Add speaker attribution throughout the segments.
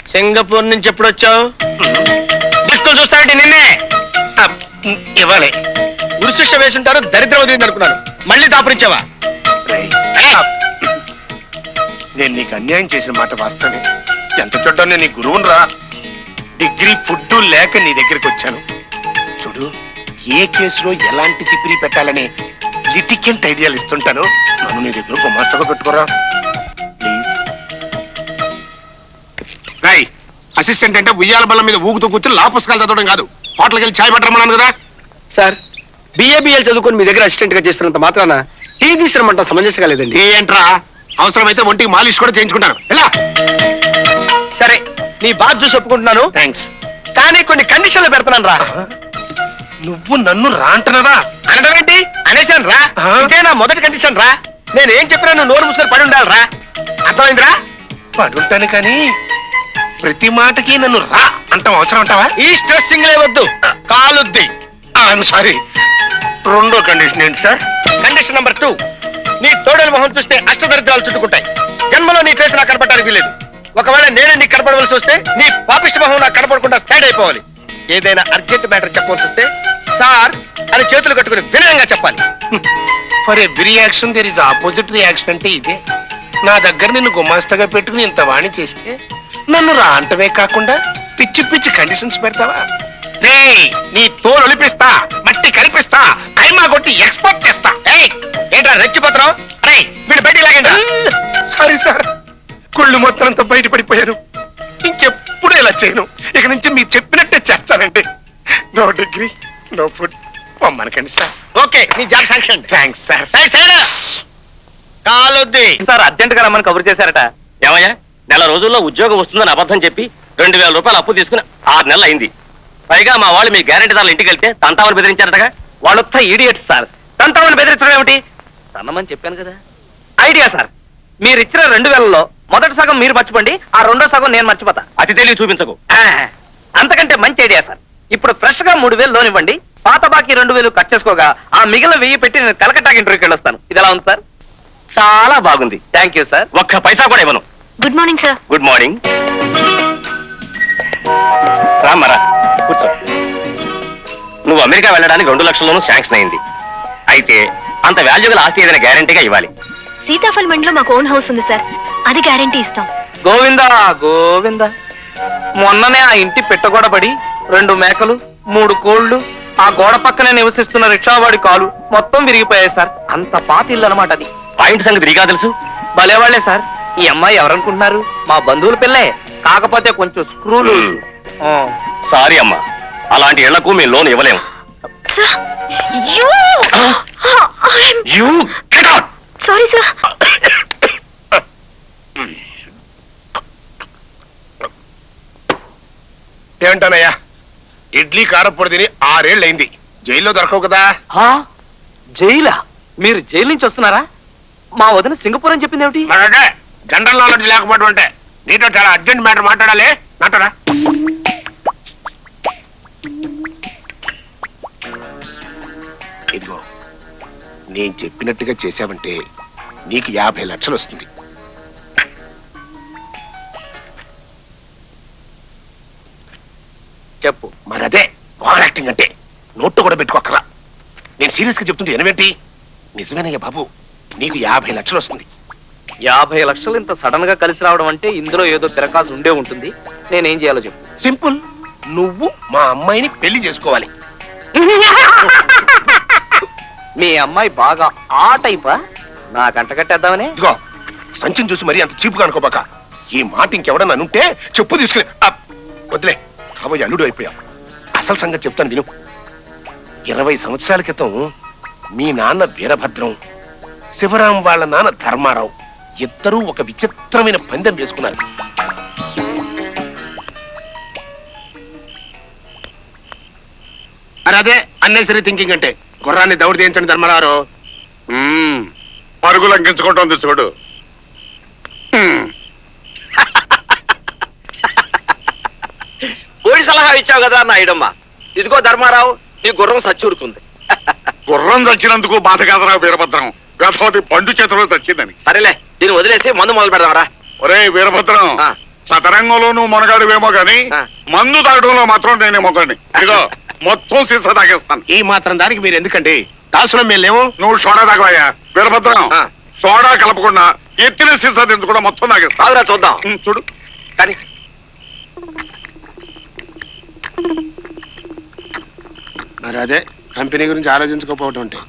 Speaker 1: Singapore నుంచి ఎప్పుడు వచ్చావు? దిక్కులు చూస్తానంటే నిన్నే ఇవ్వాలి. ఉరిశిక్ష వేసుంటారు, దరిద్రం వదిలింది అనుకున్నాను. మళ్ళీ దాపురించావా?
Speaker 2: నేను నీకు అన్యాయం చేసిన మాట వాస్తవే. ఎంత చూడ్డా నేను నీ గురువును రా. డిగ్రీ ఫుడ్ లేక నీ దగ్గరికి వచ్చాను. చూడు, ఏ కేసులో ఎలాంటి తిప్పిరి పెట్టాలని లిటికెంట్ ఐడియాలు ఇస్తుంటాను. నన్ను నీ దగ్గర గుమాస్తగా పెట్టుకోరా ప్లీజ్. రాయ్, అసిస్టెంట్ అంటే ఉయ్యాల బల్ల మీద ఊగుతూ కూర్చుని లా పుస్తకాలు చదవడం కాదు, హోటల్కి వెళ్ళి ఛాయ్ పట్టరమన్నాను కదా.
Speaker 1: సార్, బిఏబిఎల్ చదువుకొని మీ దగ్గర అసిస్టెంట్ గా చేస్తున్నంత మాత్రాన టీ తీసుకురమంట సమంజసంగా లేదండి.
Speaker 2: ఏంట్రా, అవసరమైతే ఒంటికి మాలిష్ కూడా చేయించుకుంటాను. ఎలా?
Speaker 1: సరే, నీ బాధ చూసి ఒప్పుకుంటున్నాను.
Speaker 2: థ్యాంక్స్.
Speaker 1: కానీ కొన్ని కండిషన్లు పెడతాను రా.
Speaker 2: నువ్వు నన్ను రా అంటున్నావా?
Speaker 1: అనడం ఏంటి? అనేసాను రా. ఇదే నా మొదటి కండిషన్ రా. నేను ఏం చెప్పినా నువ్వు నోరు మూసుకొని పడి ఉండాలి రా. అర్థమైందిరా?
Speaker 2: పడుంటాను కానీ ప్రతి మాటకి నన్ను రా అంటాం అవసరం అంటావా?
Speaker 1: ఈ స్ట్రెస్సింగ్ వద్దు, కాలుద్ది.
Speaker 2: సారీ. రెండో కండిషన్ ఏంటి సార్?
Speaker 1: కండిషన్ నెంబర్ 2, నీ తోడల మొహం చూస్తే అష్టదరిద్రాలు చుట్టుకుంటాయి. జన్మలో నీ ఫేస్ నాకు కనపడడానికి వీలేదు. ఒకవేళ నేనే నీకు కనపడవలసి వస్తే నీ పాపిష్టి మొహం నాకు కనపడకుండా సైడ్ అయిపోవాలి. ఏదైనా అర్జెంట్ మ్యాటర్ చెప్పవలసి వస్తే సార్ అని చేతులు కట్టుకుని వినయంగా చెప్పాలి.
Speaker 2: For every action there is opposite reaction అంటే ఇదే. నా దగ్గర నిన్ను గుమాస్తగా పెట్టుకుని ఇంత వాణి చేస్తే నన్ను రా అంటవే కాకుండా పిచ్చి పిచ్చి కండిషన్స్ పెడతావా? రే, నీ తోలు ఒలిపిస్తా, మట్టి కనిపిస్తా, కైమా కొట్టి ఎక్స్పోర్ట్ చేస్తా.
Speaker 1: ఏంట్రా రెచ్చిపోతున్నావు? అరే వీడు బయటికి లాగండి.
Speaker 2: సారీ సార్, కుళ్ళు మొత్తం అంతా బయటపడిపోయాను. ఇంకెప్పుడు ఇలా చేయను. ఇక నుంచి మీరు చెప్పినట్టే చేస్తానండి. No degree, no food. పొమ్మనకండి సార్.
Speaker 1: ఓకే, నీ జాబ్ శాంక్షన్.
Speaker 2: Thanks sir.
Speaker 1: కాలొద్ది.
Speaker 3: సార్ అర్జెంట్ గా రమ్మని కబురు చేశారట. ఏమయ్యా, నెల రోజుల్లో ఉద్యోగం వస్తుందని అబద్ధం చెప్పి 2000 రూపాయలు అప్పు తీసుకుని 6 నెలలు అయింది. పైగా మా వాళ్ళు మీ గ్యారెంటీదారులు ఇంటికి వెళ్తే తంతామని బెదిరించారటగా. వాళ్ళొత్త ఈడియట్స్ సార్. తంతామని బెదిరించడం ఏమిటి? తన్నమని చెప్పాను కదా. ఐడియా సార్, మీరు ఇచ్చిన 2000లో మొదటి సగం మీరు మర్చిపోండి, ఆ రెండో సగం నేను మర్చిపోతా. అతి తెలివి చూపించకు. అంతకంటే మంచి ఐడియా సార్. ఇప్పుడు ఫ్రెష్ గా 3000 లోన్ ఇవ్వండి, పాత బాకీ 2000 కట్ చేసుకోగా ఆ మిగిలిన 1000 పెట్టి నేను కలకట్టాకి ఇంటర్వ్యూకి వెళ్ళొస్తాను. ఇది ఎలా ఉంది సార్? చాలా బాగుంది. Thank you sir. ఒక్క పైసా కూడా ఇవ్వను.
Speaker 4: Good morning sir.
Speaker 3: Good morning. రామరా, కూర్చో. నువ్వు అమెరికా వెళ్ళడానికి 2 లక్షల్లోనూ శాంక్షన్ అయింది. అయితే అంత వాల్యూ గల ఆస్తి ఏదైనా గ్యారంటీగా ఇవ్వాలి.
Speaker 4: సీతాఫల్ మండిలో మాకు ఓన్ హౌస్ ఉంది సార్, అది గ్యారంటీ ఇస్తాం.
Speaker 3: గోవిందా గోవిందా, మొన్ననే ఆ ఇంటి పెట్టగొడబడి 2 మేకలు 3 కోళ్లు ఆ గోడ పక్కనే నివసిస్తున్న రిక్షావాడి కాలు మొత్తం విరిగిపోయాయి సార్. అంత పాత ఇల్లు అనమాట అది. పాయింట్ సంగతి నీకా తెలుసు? భలేవాళ్లే సార్. ఈ అమ్మాయి ఎవరనుకుంటున్నారు? మా బంధువుల పిల్లే, కాకపోతే కొంచెం స్క్రూలు. సారీ అమ్మా, అలాంటి ఇళ్లకు మేము లోన్ ఇవ్వలేము.
Speaker 4: Sorry sir.
Speaker 2: ఏమంటానయ్యా, ఇడ్లీ కారపొడి తిని 6 ఏళ్ళు అయింది. జైల్లో దొరకవు కదా.
Speaker 3: జైలా? మీరు జైలు నుంచి వస్తున్నారా? మా వదిన సింగపూర్ అని చెప్పింది ఏమిటి?
Speaker 2: మరంటే జనరల్ నాలెడ్జ్ లేకపోవడం అంటే. నీతో చాలా అర్జెంట్ మ్యాటర్ మాట్లాడాలి. నాటరా? ఇదిగో, నేను చెప్పినట్టుగా చేశావంటే నీకు 50 లక్షలు వస్తుంది.
Speaker 3: చెప్పు.
Speaker 2: మరదే ఓవర్ యాక్టింగ్ అంటే. నోట్టు కూడా పెట్టుకోకరా. నేను సీరియస్ గా చెప్తుంటే ఎనవేంటి? నిజమేనయ్య బాబు, నీకు 50 లక్షలు వస్తుంది.
Speaker 3: 50 లక్షలు ఇంత సడన్ గా కలిసి రావడం అంటే ఇందులో ఏదో తిరకాసు ఉండే ఉంటుంది. నేనేం చేయాలో చెప్పు.
Speaker 2: సింపుల్. నువ్వు మా అమ్మాయిని పెళ్లి చేసుకోవాలి.
Speaker 3: మీ అమ్మాయి బాగా ఆ టైపా? నా కంట కట్టేద్దామని.
Speaker 2: ఇదిగో, సంచిని చూసి మరీ అంత చీపుగా అనుకోబాక. ఈ మాట ఇంకెవడన్నా అనుంటే చెప్పు తీసుకుని వదిలే. కాబోయే అల్లుడు అయిపోయావు. అసలు సంగతి చెప్తాను విను. 20 సంవత్సరాల క్రితం మీ నాన్న వీరభద్రం, శివరాం వాళ్ళ నాన్న ధర్మారావు ఇద్దరూ ఒక విచిత్రమైన పందెం వేసుకున్నారు. అదే అన్నెసరీ థింకింగ్ అంటే. గుర్రాన్ని దౌడు తీయించండి ధర్మారావు.
Speaker 5: పరుగులు అంకించుకుంటోంది చూడు.
Speaker 3: ఓడి సలహా ఇచ్చావు కదా నాయుడమ్మ. ఇదిగో ధర్మారావు, నీ గుర్రం సచ్చూరుకుంది.
Speaker 5: గుర్రం చచ్చినందుకు బాధ కాదరా వీరభద్రం. గతవతి పండు చేతిలో చచ్చిందని.
Speaker 3: సరేలే, దీన్ని వదిలేసి మందు మొదలు పెడదామరా.
Speaker 5: ఒరే వీరభద్రం, సతరంగంలో నువ్వు మునగాడువేమో గాని మందు తాగడంలో మాత్రం నేనే మొగండి ఇదిగో మొత్తం సీసా తాగేస్తాను.
Speaker 2: ఈ మాత్రం దానికి మీరు ఎందుకండి దాసులం మేము లేవు.
Speaker 5: నువ్వు సోడా తాగవయ్యా వీరభద్రం. సోడా కలపకుండా ఎత్తిన సీసా కూడా మొత్తం తాగేస్తా.
Speaker 3: తాగురా చూద్దాం.
Speaker 5: చూడు
Speaker 3: కానీ
Speaker 2: మరి అదే కంపెనీ గురించి ఆలోచించుకోకపోవటం అంటే.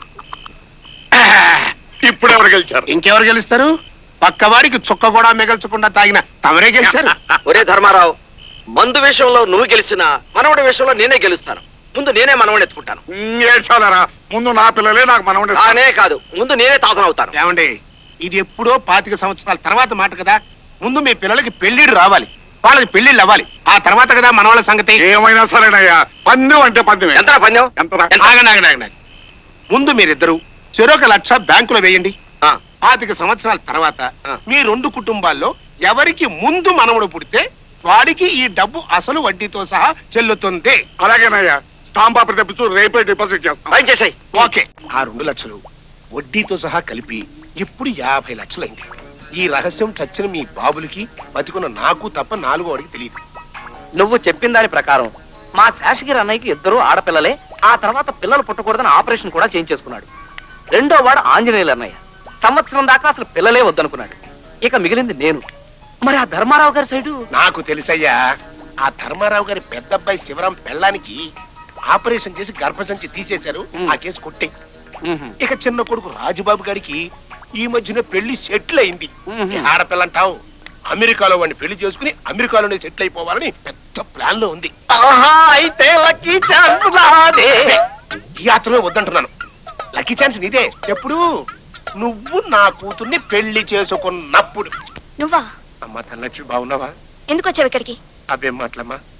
Speaker 5: ఇప్పుడు ఎవరు గెలిచారు?
Speaker 2: ఇంకెవరు గెలుస్తారు? పక్కవాడికి చుక్క కూడా మిగల్చకుండా తాగిన తమరే గెలిచారు.
Speaker 3: ఒరే ధర్మారావు, మందు విషయంలో నువ్వు గెలిచినా మనవడి విషయంలో నేనే గెలుస్తాను. ముందు నేనే మనవడిని ఎత్తుకుంటాను.
Speaker 5: ఏడ్చాలరా, ముందు నా పిల్లలే నాకు మనవడే.
Speaker 3: అనే కాదు, ముందు నేనే తాతనవుతాను.
Speaker 2: ఏమండి, ఇది ఎప్పుడో 25 సంవత్సరాల తర్వాత మాట కదా. ముందు మీ పిల్లలకి పెళ్లిళ్ళు రావాలి, వాళ్ళకి పెళ్లిళ్ళు అవ్వాలి, ఆ తర్వాత కదా మన వాళ్ళ సంగతి.
Speaker 5: ఏమైనా సరేనయ్యా, పందెం అంటే పందెమే.
Speaker 3: ఎంత పందెం?
Speaker 5: ఎంతరా?
Speaker 2: ఆగండి, ఆగండి, ఆగండి. ముందు మీరిద్దరు చెరొక 1,00,000 బ్యాంకులో వేయండి. 25 సంవత్సరాల తర్వాత మీ 2 కుటుంబాల్లో ఎవరికి ముందు మనవడు పుడితే వాడికి ఈ డబ్బు అసలు వడ్డీతో సహా చెల్లుతుంది.
Speaker 5: అలాగేనయ్యా, స్టాంప్ పేపర్ తెప్పించు, రేపే డిపాజిట్ చేస్తాం.
Speaker 3: భయం చేసాయి.
Speaker 2: ఓకే. ఆ 2 లక్షలు వడ్డీతో సహా కలిపి ఇప్పుడు 50 లక్షలైంది. ఈ రహస్యం చచ్చిన మీ బాబులకి బతికున్న నాకు తప్ప 4వ వాడికి తెలియదు.
Speaker 6: నువ్వు చెప్పిన దాని ప్రకారం మా శేషగిరి అన్నయ్యకి 2 ఆడపిల్లలే. ఆ తర్వాత పిల్లలు పుట్టకూడదని ఆపరేషన్ కూడా చేయించేసుకున్నాడు. 2వ వాడు ఆంజనేయులు అన్నయ్య. సంవత్సరం దాకా అసలు పిల్లలే వద్దనుకున్నాడు. ఇక మిగిలింది నేను. మరి ఆ ధర్మారావు గారి సైడు
Speaker 2: నాకు తెలుసయ్యా. ఆ ధర్మారావు గారి పెద్ద అబ్బాయి శివరాం పెళ్ళానికి ఆపరేషన్ చేసి గర్భసంచి తీసేశారు. ఆ కేసు కొట్టే. ఇక చిన్న కొడుకు రాజుబాబు గారికి ఈ మధ్యన పెళ్లి సెటిల్ అయింది. ఆడపిల్లంటావు, అమెరికాలో వాడిని పెళ్లి చేసుకుని అమెరికాలోనే సెటిల్ అయిపోవాలని పెద్ద ప్లాన్ లో ఉంది.
Speaker 6: అయితే లక్కీ ఛాన్స్ నాదే.
Speaker 2: ఈ యాత్రలో వద్దంటున్నాను. లక్కీ ఛాన్స్ నీదే. ఎప్పుడు? నువ్వు నా కూతుర్ని పెళ్లి చేసుకున్నప్పుడు.
Speaker 4: నువ్వా?
Speaker 2: అమ్మా తనలక్ష్మి, బాగున్నావా?
Speaker 4: ఎందుకు వచ్చావు ఇక్కడికి?
Speaker 2: అబ్బేం మాటలమ్మా.